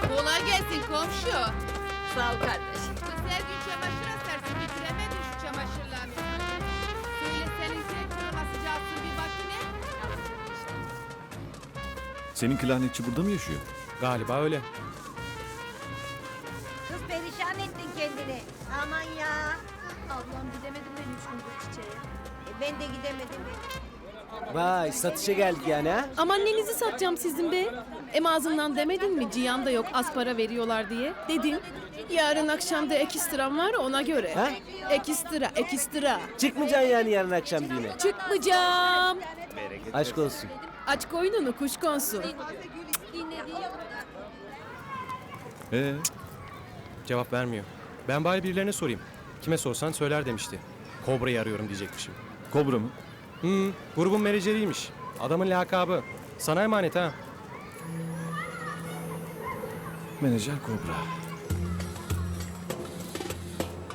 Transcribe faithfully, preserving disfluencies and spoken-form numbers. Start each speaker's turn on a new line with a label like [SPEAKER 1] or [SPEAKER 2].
[SPEAKER 1] Kolay gelsin komşu.
[SPEAKER 2] Sağ ol kardeşim.
[SPEAKER 1] Kız her gün çamaşır asarsın, bitiremedin şu çamaşırlarını. Söyle senin sektörü nasıl çalsın bir makine?
[SPEAKER 3] Senin klarnetçi burada mı yaşıyor?
[SPEAKER 4] Galiba öyle.
[SPEAKER 2] Kız perişan ettin kendini. Aman ya.
[SPEAKER 5] Ablam gidemedim ben üç gündür çiçeğe.
[SPEAKER 2] E, ben de gidemedim.
[SPEAKER 6] Vay satışa geldik yani ha?
[SPEAKER 5] Aman nenizi satacağım sizin be? Em ağzından demedin mi Cihan da yok az para veriyorlar diye? Dedin. Yarın akşam da ekstram var ona göre.
[SPEAKER 6] Ha?
[SPEAKER 5] Ekstra, ekstra.
[SPEAKER 6] Çıkmayacaksın yani yarın akşam düğüne.
[SPEAKER 5] Çıkmayacağım.
[SPEAKER 6] Aşk olsun.
[SPEAKER 5] Aç koynunu kuş konsun.
[SPEAKER 3] Ee,
[SPEAKER 4] Cevap vermiyor. Ben bari birilerine sorayım. Kime sorsan söyler demişti. Kobra'yı arıyorum diyecekmişim.
[SPEAKER 3] Kobra mı?
[SPEAKER 4] Hmm, grubun menajeriymiş. Adamın lakabı. Sana emanet ha.
[SPEAKER 3] Menajer Kobra.